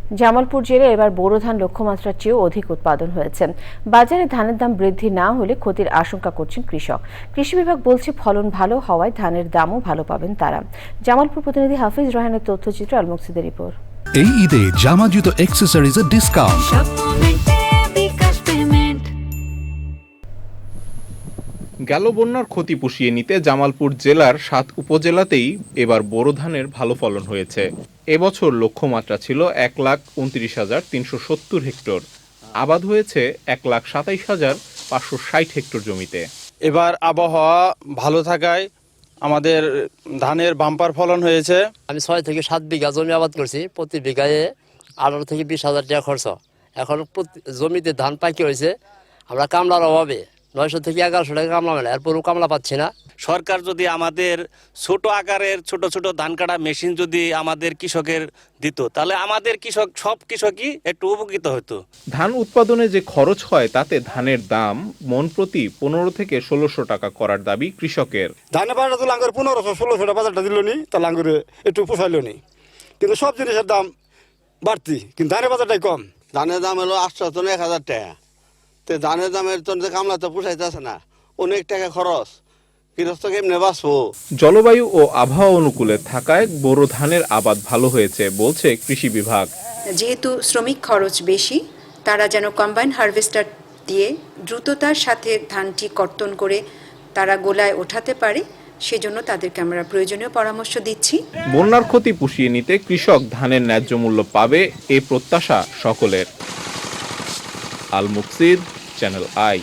জামালপুর জেলায় এবার বোরো ধান লক্ষ্যমাত্রার চেয়েও অধিক উৎপাদন হয়েছে। বাজারে ধানের দাম বৃদ্ধি না হলে ক্ষতির আশঙ্কা করছেন কৃষক। কৃষি বিভাগ বলছে ফলন ভালো হওয়ায় ধানের দামও ভালো পাবেন তারা। জামালপুর প্রতিনিধি হাফিজ রহানের তথ্যচিত্র, আল মুকসিদের রিপোর্ট। এই ঈদে জামা জুতো অ্যাক্সেসরিজের ডিসকাউন্ট। গেল বন্যার ক্ষতি পুষিয়ে নিতে জামালপুর জেলার ৭ উপজেলাতেই এবার বোরো ধানের ভালো ফলন হয়েছে। এবছর লক্ষ্যমাত্রা ছিল ১,২৯,৩৭০ হেক্টর। আবাদ হয়েছে ১,২৭,৫৬০ হেক্টর জমিতে। এবার আবহাওয়া ভালো থাকায় আমাদের ধানের বাম্পার ফলন হয়েছে। আমি ৬ থেকে ৭ বিঘা জমি আবাদ করছি। প্রতি বিঘায় ১৮ থেকে ২০,০০০ টাকা খরচ। এখন জমিতে ধান পাকি হয়েছে। আমরা কামলার অভাবে ৯০০ থেকে ১১০০ টাকা কামলা মেলে, এরপরও কামলা পাচ্ছি না। সরকার যদি আমাদের ছোট আকারের ছোট ছোট ধান কাটা মেশিন যদি আমাদের কৃষকের দিত, তাহলে আমাদের সব কৃষকই একটু উপকৃত হতো। ধান উৎপাদনে যে খরচ হয় তাতে ধানের দাম মন প্রতি ১৫ থেকে ১৬০০ টাকা করার দাবি কৃষকের। ধানের বাজারটা তো লাঙ্গর ১৫০০-১৬০০ বাজারটা দিল নি, তা লাঙ্গরে একটু পোষাইল নি, কিন্তু সব জিনিসের দাম বাড়তি, কিন্তু ধানের বাজারটাই কম। ধানের দাম হলো ৮০০-১,০০০ টাকা। তো ধানের দামের জন্য কামলা তো পোষাইতেছে না, অনেক টাকা খরচ, গৃহস্থ কেমনে বাঁচবো। জলবায়ু ও আবহাওয়া অনুকূলে থাকায় বোরো ধানের আবাদ ভালো হয়েছে বলছে কৃষি বিভাগ। যেহেতু শ্রমিক খরচ বেশি, তারা যেন কম্বাইন হারভেস্টার দিয়ে দ্রুততার সাথে ধানটি কর্তন করে তারা গোলায় ওঠাতে পারে, সেজন্য তাদেরকে আমরা প্রয়োজনীয় পরামর্শ দিচ্ছি। বন্যার ক্ষতি পুষিয়ে নিতে কৃষক ধানের ন্যায্য মূল্য পাবে, এ প্রত্যাশা সকলের। Al Muksid, channel I.